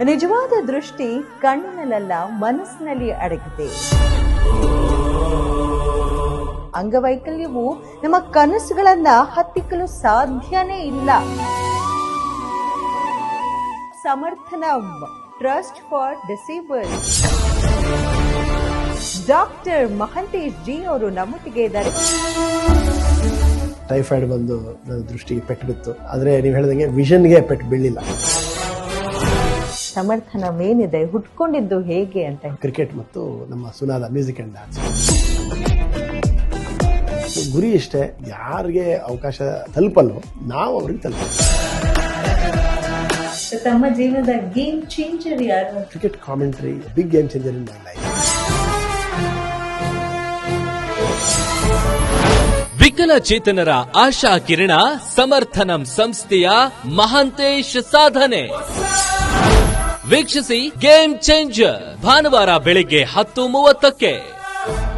ನಿಜವಾದ ದೃಷ್ಟಿ ಕಣ್ಣಿನಲ್ಲ, ಮನಸ್ಸಿನಲ್ಲಿ ಅಡಗಿದೆ. ಅಂಗವೈಕಲ್ಯವು ನಮ್ಮ ಕನಸುಗಳನ್ನ ಹತ್ತಿಕ್ಕಲು ಸಾಧ್ಯನೇ ಇಲ್ಲ. Samarthanam, trust for disabled. Doctor Mahantesh ji ಅವರು ನಮ್ಮೊಟ್ಟಿಗೆ ಇದ್ದಾರೆ. ಟೈಫಾಯ್ಡ್ ಬಂದು ನನ್ನ ದೃಷ್ಟಿಗೆ ಪೆಟ್ಟು ಬಿತ್ತು, ಆದ್ರೆ ನೀವು ಹೇಳಿದಂಗೆ ವಿಷನ್ಗೆ ಪೆಟ್ಟು ಬೀಳಿಲ್ಲ. ಸಮರ್ಥನಂ ಏನಿದೆ, ಹುಟ್ಕೊಂಡಿದ್ದು ಹೇಗೆ ಅಂತ. ಕ್ರಿಕೆಟ್ ಮತ್ತು ನಮ್ಮ ಸುನಾದ ಮ್ಯೂಸಿಕ್ ಅಂಡ್ ಡ್ಯಾನ್ಸ್. ಗುರಿ ಇಷ್ಟೇ, ಯಾರಿಗೆ ಅವಕಾಶ ತಲುಪಲ್ಲೋ ನಾವು ಅವ್ರಿಗೆ ತಲುಪ. ತಮ್ಮ ಜೀವನದ ಗೇಮ್ ಚೇಂಜರ್ ಯಾರು? Cricket commentary big game changer in my life. ವಿಕಲಚೇತನರ ಆಶಾ ಕಿರಣ ಸಮರ್ಥನಂ ಸಂಸ್ಥೆಯ ಮಹಂತೇಶ್ ಸಾಧನೆ ವೀಕ್ಷಿಸಿ. ಗೇಮ್ ಚೇಂಜರ್ ಭಾನುವಾರ ಬೆಳಿಗ್ಗೆ 10:30ಕ್ಕೆ.